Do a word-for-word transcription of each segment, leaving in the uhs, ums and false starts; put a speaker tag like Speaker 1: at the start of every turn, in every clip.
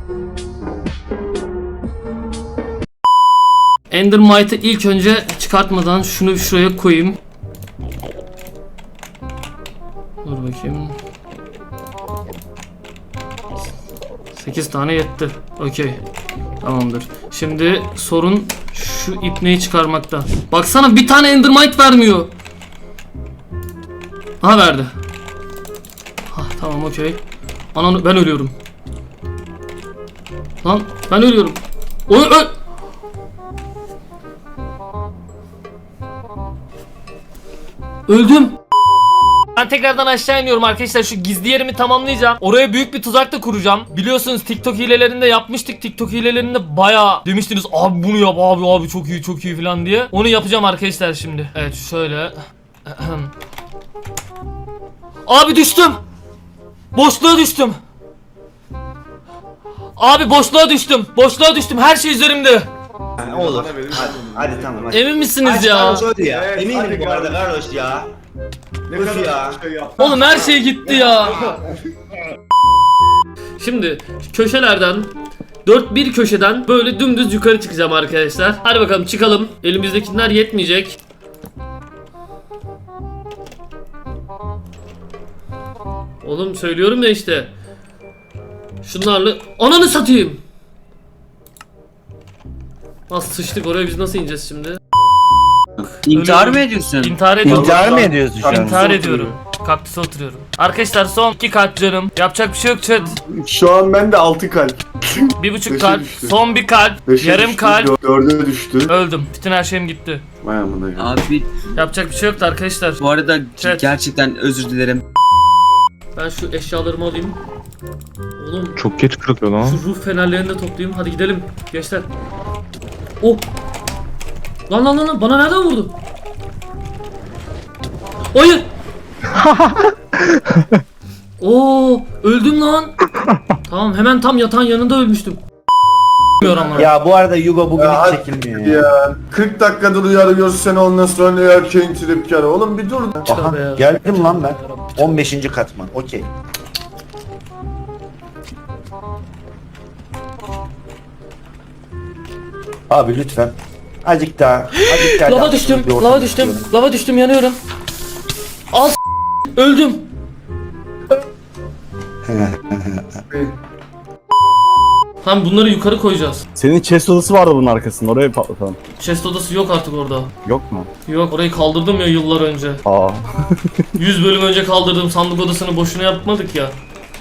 Speaker 1: Endermite'ı ilk önce çıkartmadan şunu şuraya koyayım. Dur bakayım. sekiz tane yetti. Okey. Tamamdır. Şimdi sorun şu ipneyi çıkarmakta. Baksana bir tane Endermite vermiyor. Ha verdi. Ha tamam okey. Anan ben ölüyorum. Lan ben ölüyorum. Oy öl. Öldüm. Ben tekrardan aşağı iniyorum arkadaşlar, şu gizli yerimi tamamlayacağım. Oraya büyük bir tuzak da kuracağım. Biliyorsunuz TikTok hilelerinde yapmıştık. TikTok hilelerinde bayağı demiştiniz abi bunu yap abi abi çok iyi çok iyi falan diye. Onu yapacağım arkadaşlar şimdi. Evet şöyle. Abi düştüm. Boşluğa düştüm. Abi boşluğa düştüm. Boşluğa düştüm. Her şey üzerimde.
Speaker 2: Ne olur. Hadi, hadi tamam. Hadi.
Speaker 1: Emin misiniz
Speaker 2: Aç,
Speaker 1: ya?
Speaker 2: Carlos öldü ya.
Speaker 3: Evet,
Speaker 2: Eminim
Speaker 3: hadi
Speaker 2: bu arada
Speaker 3: Carlos.
Speaker 2: Carlos ya.
Speaker 3: Ne
Speaker 2: Öf
Speaker 3: kadar
Speaker 2: ya.
Speaker 3: şey yaptı.
Speaker 1: Oğlum her şey gitti ya. Şimdi köşelerden dört bir köşeden böyle dümdüz yukarı çıkacağım arkadaşlar. Hadi bakalım çıkalım. Elimizdekiler yetmeyecek. Oğlum söylüyorum ya işte. Şunlarla ananı satayım. Nasıl sıçtık oraya, biz nasıl ineceğiz şimdi?
Speaker 4: İntihar
Speaker 1: Ölüyorum.
Speaker 4: mı ediyorsun?
Speaker 1: İntihar ediyorum.
Speaker 5: İntihar mı ediyorsun şu an?
Speaker 1: İntihar ediyorum. Kaktüse oturuyorum. Arkadaşlar son iki kalp canım. Yapacak bir şey yok chat.
Speaker 3: Şu an bende altı kalp.
Speaker 1: Bir buçuk
Speaker 3: Beşe
Speaker 1: kalp.
Speaker 3: düştü.
Speaker 1: Son bir kalp.
Speaker 3: Beşe
Speaker 1: Yarım
Speaker 3: düştü,
Speaker 1: kalp.
Speaker 3: dö- Dörde düştü.
Speaker 1: Öldüm. Bütün her şeyim gitti.
Speaker 3: Vay amına ya.
Speaker 4: Abi
Speaker 1: Yapacak bir şey yoktu arkadaşlar.
Speaker 4: bu arada
Speaker 1: Evet.
Speaker 4: gerçekten özür dilerim.
Speaker 1: Ben şu eşyalarımı alayım. Oğlum
Speaker 5: Çok geç kırılıyor lan.
Speaker 1: şu ruh fenerlerini de toplayayım. Hadi gidelim gençler. Oh. Lan lan lan lan, bana nereden vurdu? Hayır. Oo, öldüm lan. Tamam, hemen tam yatağın yanında ölmüştüm. Ama.
Speaker 5: Ya bu arada Yugo bugün
Speaker 3: Ya,
Speaker 5: hiç çekilmiyor ya.
Speaker 3: Ya kırk dakikadır uyarıyoruz seni, ondan sonra erkeğin tripkarı. Oğlum bir dur.
Speaker 5: Aha,
Speaker 1: Tövbe ya.
Speaker 5: geldim lan ben. on beşinci katman. Okey. Abi lütfen. Azıcık daha. Azıcık daha.
Speaker 1: Lava düştüm.
Speaker 5: Bir ortam
Speaker 1: Lava düştüm.
Speaker 5: istiyorum.
Speaker 1: Lava düştüm, yanıyorum. Al s- öldüm. Tamam, bunları yukarı koyacağız.
Speaker 6: Senin chest odası vardı bunun arkasında, oraya patlatalım.
Speaker 1: Chest odası yok artık orada.
Speaker 6: Yok mu?
Speaker 1: Yok, orayı kaldırdım ya yıllar önce.
Speaker 6: Aa.
Speaker 1: yüz bölüm önce kaldırdığım sandık odasını boşuna yapmadık ya.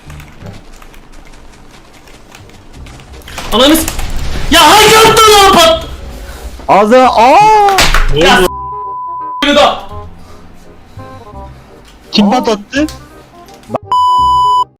Speaker 1: Ananız. Ya hangi yaptın lan pat?
Speaker 6: Ağzına aa!
Speaker 1: Ya s- da.
Speaker 5: Kim patlattı?